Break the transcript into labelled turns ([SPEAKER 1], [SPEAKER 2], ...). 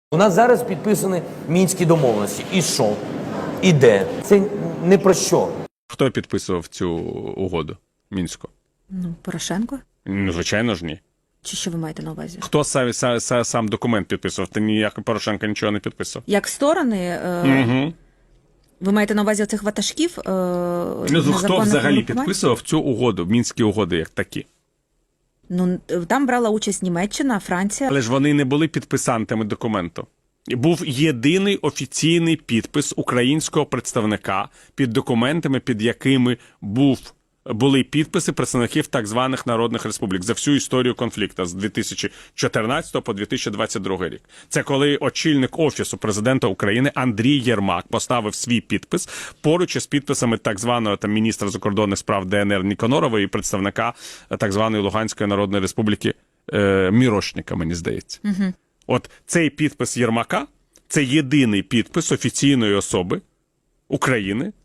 [SPEAKER 1] У нас зараз підписані Мінські домовленості. І що? І де? Це не про що.
[SPEAKER 2] Хто підписував цю угоду мінську?
[SPEAKER 3] Ну, Порошенко?
[SPEAKER 2] Ну, звичайно ж, ні.
[SPEAKER 3] Чи що ви маєте на увазі?
[SPEAKER 2] Хто сам документ підписував? Та ніяк Порошенко нічого не підписував.
[SPEAKER 3] Як сторони,
[SPEAKER 2] Угу.
[SPEAKER 3] ви маєте на увазі цих ватажків?
[SPEAKER 2] Хто взагалі підписував цю угоду, мінські угоди як такі?
[SPEAKER 3] Ну, там брала участь Німеччина, Франція.
[SPEAKER 2] Але ж вони не були підписантами документу. Був єдиний офіційний підпис українського представника під документами, під якими були підписи представників так званих народних республік за всю історію конфлікту з 2014 по 2022 рік. Це коли очільник Офісу президента України Андрій Єрмак поставив свій підпис поруч із підписами так званого міністра закордонних справ ДНР Ніконорова і представника так званої Луганської Народної Республіки Мірошника, мені здається.
[SPEAKER 3] Угу.
[SPEAKER 2] От цей підпис Єрмака – це єдиний підпис офіційної особи України